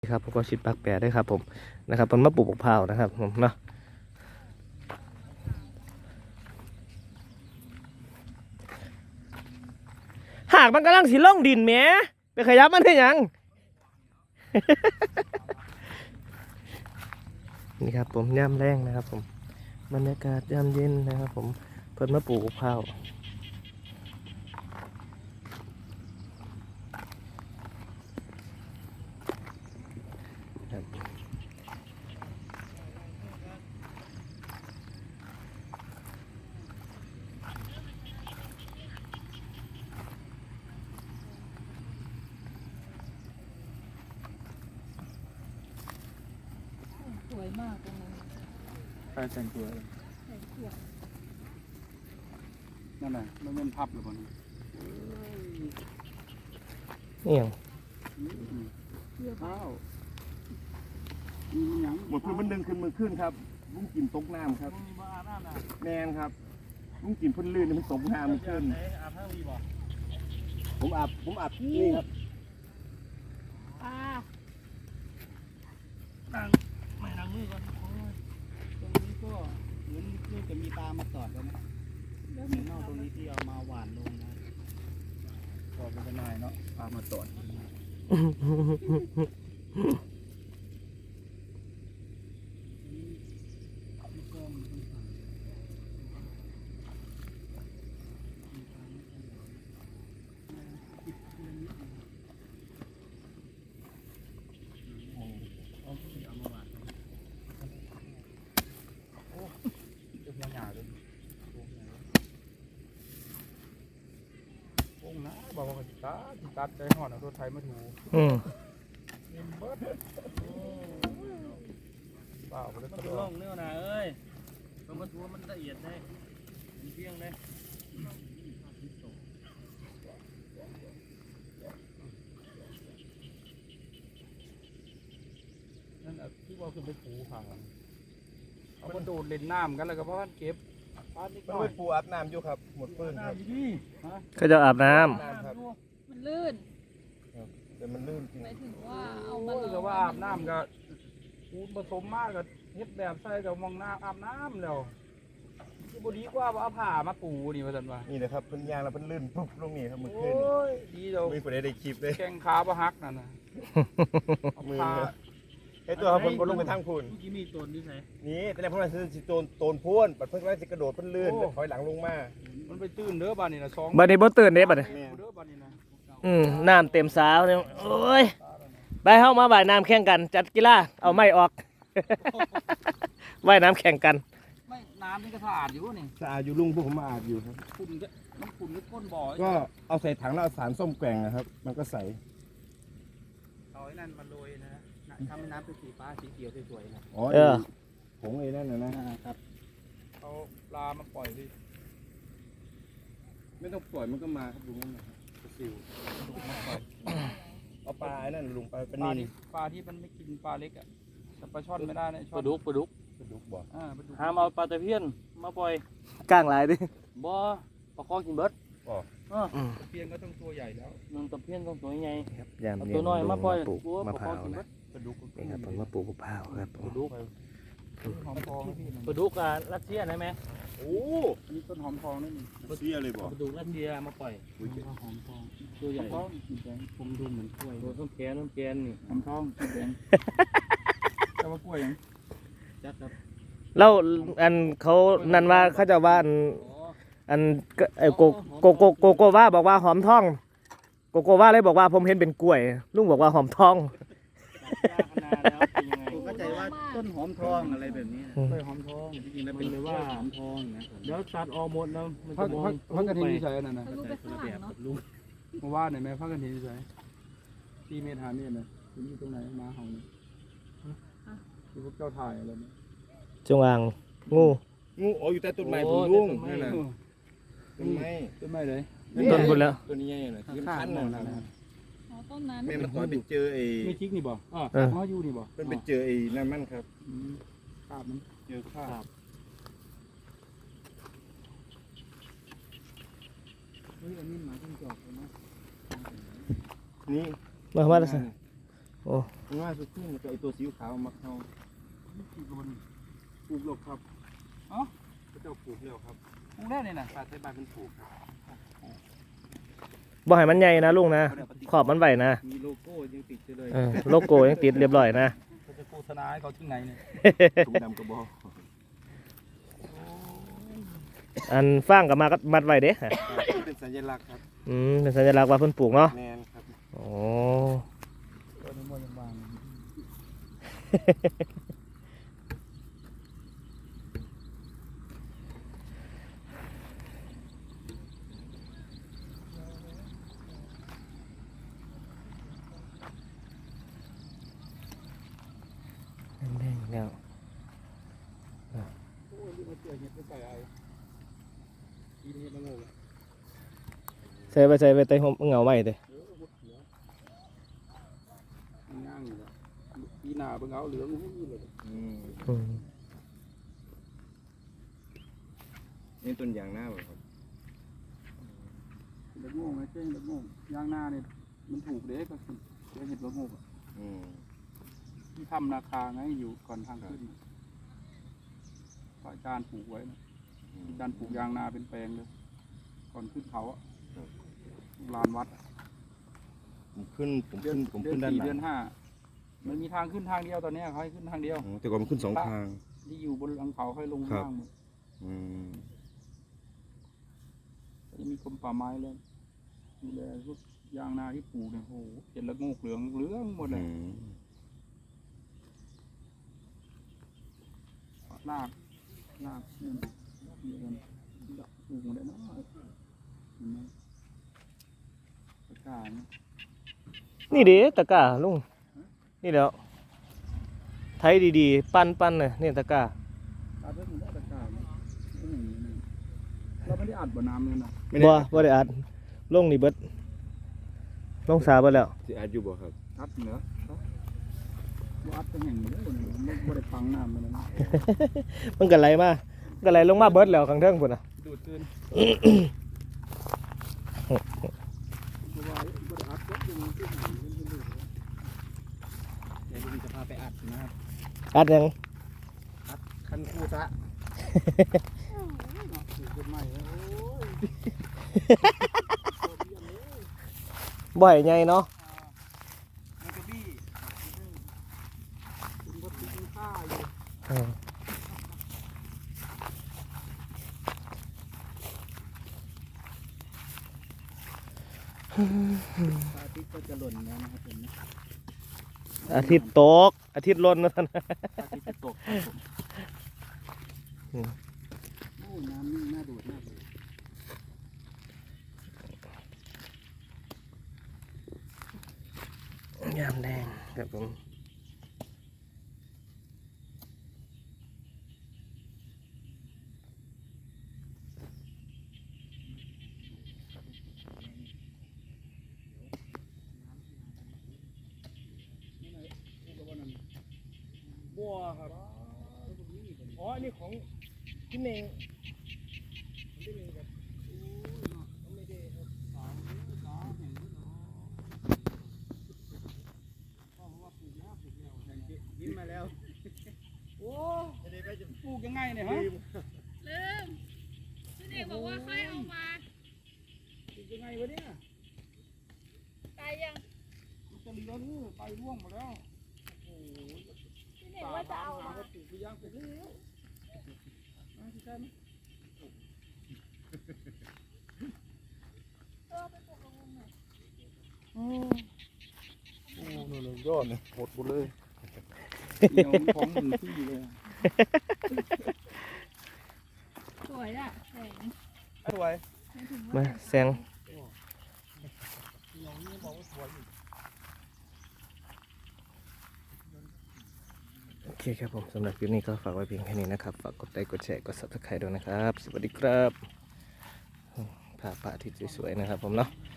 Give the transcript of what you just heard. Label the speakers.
Speaker 1: ครับผมก็ชิดปากแปรได้ครับผมนะครับมันมาปลูกมะพร้าวนะครับผมเนาะหากมันกำลังสิล่องดินแหมไปขยับมันได้ยัง นี่ครับผมย่ำแรงนะครับผมบรรยากาศย่ำเย็นนะครับผมเพิ่นมาปลูกมะพร้าว
Speaker 2: สวยมากตรงนั้น
Speaker 3: ใครแต่งตัวเลย
Speaker 2: ใส่เสื้อ
Speaker 3: นั่นน่ะมันเป็นพับหรือเปล่านี่
Speaker 1: นี่ยัง
Speaker 2: เสื้อผ้า
Speaker 3: ข้าวมีหยัง
Speaker 4: หมดพื้นมันดึงขึ้นมือขึ้นครับลุงกินตกน้ำครับ
Speaker 3: บ้านั่นน่ะ
Speaker 4: แมนครับลุงกินพื้นลื่นมันตกน้ำมันขึ้น
Speaker 3: อาบทั้งวีบ่
Speaker 4: ผมอาบนี่ครับ
Speaker 2: ปลา
Speaker 3: นั่งไม่นั่งมือก่อนตรงนี้ก็เหมือนลูกจะมีปลามาตอดแล้วนะ
Speaker 2: แล้ว
Speaker 3: ใน
Speaker 2: มี
Speaker 3: นอกตรงนี้ที่เอามาหวานลงนะตอดเป็นนายเนาะปลามาตอดบอกว่าสิตัดใจห่อนเอารถไถมาถู
Speaker 1: อืม
Speaker 3: เงินเบิดเปล่าเลยมันล่องเนื้อนะเอ้ยตัวมันตัวมันละเอียดเลยมันเพียงเลยนั่นที่ว่าคือไปปูผ่าเอามันโดดเล่นน้ำกันแล้วก็เพราะมันเก็บปลานิดห
Speaker 4: มัน
Speaker 3: น่อ
Speaker 4: ไป
Speaker 3: ย
Speaker 4: ปูอาบน้ำอยู่ครับหมดพื้นครับ
Speaker 3: น้ำดีฮะ
Speaker 1: เขาจะอาบน้
Speaker 4: น้ำครับ
Speaker 2: มันลื่น
Speaker 4: แต่มันลื่นจริง
Speaker 2: หมายถึงว่าเอามา
Speaker 3: โอ้ยก็ว่าอาบน้ำก็ปูนผสมมากก็เฮ็ดแบบใส่กับมองน้ำอาบน้ำแล้วที่บดีกว่าว่าเอาผ้ามาปูนี่ว่าสันว่า
Speaker 4: นี่นะครับพื้นยางแล้วมันลื่นปุ๊บลงนี่ครับมือ
Speaker 3: โอ้
Speaker 4: ขึ้น
Speaker 3: ยดีเดียว
Speaker 4: มีคนได้คลิปเลย
Speaker 3: แข้งขาบ่หักนั่นน่ะ
Speaker 1: ำ
Speaker 4: มือไอ้ตัวครับผมลงไปทางพูน
Speaker 3: เมื่อกี้มีตัวนี้ไง
Speaker 4: นี่แต่ในพวกนั้นคือโตนพูนปัดเพิ่งว่าจะกระโดดเพิ่นลื่นถอยหลังลงมา
Speaker 3: มันไปตื้นเด้อบ้านนี่นะ2
Speaker 1: บัดนี้บ่ตื่นเด้บัดนี้
Speaker 3: เด้อบ้านนี่นะ
Speaker 1: น้ำเต็มสาวเนี่ยโอ้ยไปเข้ามาว่ายน้ำแข่งกันจัดกีฬาเอาไม้ออก ว่ายน้ำแข่งกัน
Speaker 3: ไม่น้ำนี่ก็สะอาดอยู่นี่
Speaker 4: สะอาดอยู่ลุงพวกผมมาอาบอยู่ครับ
Speaker 3: ขุ่นก็มันขุ่นหรือก้นบ่อ
Speaker 4: ก็เอาใส่ถังแล้วเอาสารส้มแกว่งนะครับ มันก็ใส
Speaker 3: เอาไอ้นั่นมาโรยนะทำให้น้ำเป็นสีฟ้าสีเขียวสวยๆนะ
Speaker 4: อ๋อผงไอ้นั่นนะ
Speaker 3: ครับเอาปลามาปล่อยดิ
Speaker 4: ไม่ต้องปล่อยมันก็มาครับลุงนั่นนะครับซิว
Speaker 3: มาปล่อย
Speaker 4: เอาปลาไอ้นั่นลุงปลาเป็น
Speaker 3: ปลา
Speaker 4: นิ
Speaker 3: ที่
Speaker 4: น
Speaker 3: ปลาที่มันไม่กินปลาเล็กอ่ะแต่ปลาช่อนไม่ได้นะช่
Speaker 5: ป
Speaker 3: อน
Speaker 5: ลาดุก
Speaker 4: ปลาดุกบ่
Speaker 3: ปลาดุก
Speaker 5: หามเอาปลาตะเพียนมาปล่อย
Speaker 1: ก้างหลายดิ
Speaker 5: บ่ปลาคอกินเบิด
Speaker 3: ตะเพียนก็ต้องตัวใหญ่แล้ว
Speaker 5: มันตะเพียนต้องตัวใหญ่
Speaker 1: ครับยาม
Speaker 5: เอา
Speaker 1: เย็น
Speaker 5: ตัวน้อยมาปล่อย
Speaker 1: ปลูก
Speaker 5: ตัว
Speaker 1: มะ
Speaker 5: ปลา
Speaker 1: พ
Speaker 5: คอ
Speaker 1: ร้าว
Speaker 5: กินเบิ
Speaker 1: นะ
Speaker 5: ด
Speaker 3: ปลาดุกก็
Speaker 1: นี่ครับผมมาปลูกมะพร้าวครับผ
Speaker 5: ป
Speaker 1: ม
Speaker 5: ลาดุก
Speaker 3: หอมทองนะพี่
Speaker 5: ปลาดุกรัสเซียได้ไหม
Speaker 4: โอ้
Speaker 3: อันนี้ต้นหอมทองนี่นี่
Speaker 4: เสียเลยบ่
Speaker 5: ปลาดุกรัสเซียมาปล่อย
Speaker 3: หอมทอง
Speaker 5: ตัวใหญ่
Speaker 3: ทองสีแดงผมดูเหมือนกล้วย
Speaker 5: ตัวต้นแกนนี่
Speaker 3: หอมทองสีแดงแต่ว่ากล้วยยัง
Speaker 5: จักครับ
Speaker 1: แล้วอันเขานั่นว่าเขาจะว่าอันไอ้โกว่าบอกว่าหอมทองโกว่าเลยบอกว่าผมเห็นเป็นกล้วยลุงบอกว่าหอมทอง
Speaker 5: จักขนาดแล้วเป็นยังไง
Speaker 3: ผมเข้าใจว่าต้นหอมทองอะไรแบบนี้
Speaker 1: อืม
Speaker 3: กล้วยหอมทองจริงๆแล้วเป็นเลยว่าหอมทองนะ
Speaker 5: เดี๋ยวตัดออกหมดแล้วมัน
Speaker 3: พั
Speaker 5: จะ
Speaker 3: ก
Speaker 5: มอง
Speaker 3: พักกันทีนี่ใช่นั่นนะ
Speaker 2: ทะลุไปข้างหลังเนาะ
Speaker 5: ลูก
Speaker 3: เมื่อวานเนี่ยแม่พักกันทีนี่ใช่4 เมตร 5 เมตรนะที่นี่ตรงไหนมาเห่าเนี่ยที่พวกเจ้าถ่ายอะไรเนี่ย
Speaker 1: จงอางงู
Speaker 4: งูอ๋ออยู่ใต้ต้นไม้ผมลุงนั่นน่ะต้นไม้
Speaker 3: ต้นไม้เลย
Speaker 1: ต้นบุญแล้ว
Speaker 4: ต้นนี้ใหญ่น่ะที่มันคันน่ะ
Speaker 2: อ๋อต้นนั้น
Speaker 4: แม่มันคอยไปเจอไอ้
Speaker 3: ไม่จิกนี่บ่เขาอยู่นี่บ่
Speaker 4: มันไปเจอไอ้นั่นมันครับ
Speaker 3: คาบมัน
Speaker 4: เจอข้าว
Speaker 3: เฮ้ยอันนี้หมาจิ้งจอกเลยนะ
Speaker 4: นี่
Speaker 1: มาแล้วสิโอ้
Speaker 4: ง่ายสุดขึ้นแล้วก็ไอตัวสีขาวมักเฮา
Speaker 3: กี่คนปลูกหรอกครับเอ้า
Speaker 4: พระเจ้าปลูกแล้วครับ
Speaker 3: ปลูกได้นี่นะ
Speaker 4: ปลาไทยบ้านเป็นปลูกครับ
Speaker 1: บ่ให้มันใหญ่นะลุงนะขอบมันไหวนะ
Speaker 5: มีโลโก้ยังติดอยู่เลย
Speaker 1: โลโก้ยังติดเรียบร้อยนะ
Speaker 3: เขาจะโฆษณาให้เขาถึงไหนเนี่ย
Speaker 4: ถุงดำกระบอก
Speaker 1: อันฟางกับมาก็มัดไว้เด้
Speaker 4: เป็นสัญลักษณ์ครับ
Speaker 1: เป็นสัญลักษณ์ว่าเพิ่นปลูกเนาะ
Speaker 4: แมนครับ
Speaker 1: โอ้
Speaker 3: ตัวนี้มันยังบาง
Speaker 1: แดงๆแล้ว
Speaker 3: โอ้ยนี่มาเจอเห็ดไปใส่ไอ้กินเห็ดละโงก
Speaker 1: ใส่ไปใต้ห่มเหงาไว้เด้
Speaker 3: หุดหัวมันย่างอยู่แล้วปีหน้าเบิ่งเอาเหลืองหุ้ยเลย
Speaker 4: นี่ต้นยางหน้าบ่ครับ
Speaker 3: ละโงกไงเจ้งละโงกย่างหน้าเนี่ยมันถูกเด็กก็คือเห็ดละโงกอะ
Speaker 4: อืม
Speaker 3: ที่ทำนาคาไงอยู่ก่อนทางขึ้นฝ่ายจานปลูกไว้นะจานปลูกยางนาเป็นแปลงเลย ก่อนขึ้นเขาอะลานวัดอะ
Speaker 4: ผมขึ้น
Speaker 3: เดือน
Speaker 4: ผมขึ้นด้าน
Speaker 3: 4
Speaker 4: หลั
Speaker 3: เดือง น 5มันมีทางขึ้นทางเดียวตอนเนี้ยเขาให้ขึ้นทางเดียว
Speaker 4: อ๋อแต่ก่อนมันขึ้นสองทาง
Speaker 3: ที่อยู่บนหลังเขาค่อยลง
Speaker 4: ครับ
Speaker 3: ล่างหมด
Speaker 4: อืม
Speaker 3: จะมีกรมป่าไม้เลยดูแลพวกยางนาที่ปลูกเนี่ยโอ้โหเห็นละโงกเหลืองหมดเลย
Speaker 4: อืม
Speaker 3: ลากเนี่ยเดือนปลูกหมดเลยนะเห็นไหมตะกร้าเนี่ย
Speaker 1: นี่เด้ตะกร้าลุงนี่แล้วไถดีๆปั้นเลยนี่ตะกร้า
Speaker 3: อัดไว้หมดแล้วตะกร้าเนี่ยเราไม่ได้อัดบ่อน้ำเลยนะ
Speaker 1: บ่ได้อัดลงนี่เบิดลงสาเบิดแล้ว
Speaker 4: สิอาจอยู่บ่ครับ
Speaker 3: อัดเหนือว่าอัดจะแห่งเหนือเลยมันไม่ได้พังน้ำเลยนะ
Speaker 1: มันก็ไหลมาก็ไหลลงมาเบิดแล้วข้างเทิงพุ่นน่ะ
Speaker 3: ดูดคืนเพราะว่าไม่ได้อัดก็ยังขึ้นหางมันดูดเดี๋ยวลุงจะพาไปอัดนะครับ
Speaker 1: อัดยัง
Speaker 3: คันคู่ซะถูกกฎหมายแล้วโอ้ย
Speaker 1: บ่ให้ใหญ่เนาะ
Speaker 3: มันจะบี้คุณก็ตีค่าอยู่อาทิตย์ก็จะหล่นแล้วนะครับผม
Speaker 1: อาทิตย์ตกอาทิตย์ล้นว่าซั่น
Speaker 3: อาทิตย์จะตกครับผมโอ้น้ำนี่น่าดูดมากเลย
Speaker 1: ยามแดงครับผม
Speaker 3: บัวครับอ๋ออันนี้ของพี่เมงพี่เมงครับไม่ได้ครับสามแห่งด้วยเนาะเพราะว่าปลูกแล้วยิ้มมาแล้วโอ้จะปลูกยังไงเนี่ยฮะ
Speaker 2: ลืมพี่เด็กบอกว่าค่อยเอามา
Speaker 3: ปลูกยังไงวะเนี่ย
Speaker 2: ตายยัง
Speaker 3: มันจะเหลือนี่ไปร่วงหมดแล้วโอ้โห
Speaker 2: พี่เด็กว่าจะเอามา
Speaker 3: ก็ปลูกไปย่างไปเรื่อยใช่ไหม
Speaker 2: ไปปลูกลงหน่อย
Speaker 3: โอ้โหยอดเลยหมดหมดเลยเดี๋ยวของหนึ่งที่เลย
Speaker 2: สวยอ่ะแสง
Speaker 3: สวย
Speaker 1: มาแซงโอเคครับผมสำหรับคลิปนี้ก็ฝากไว้เพียงแค่นี้นะครับฝากกดไลค์กดแชร์กด Subscribe ด้วยนะครับสวัสดีครับพาพระอาทิตย์สวยๆนะครับผมเนาะ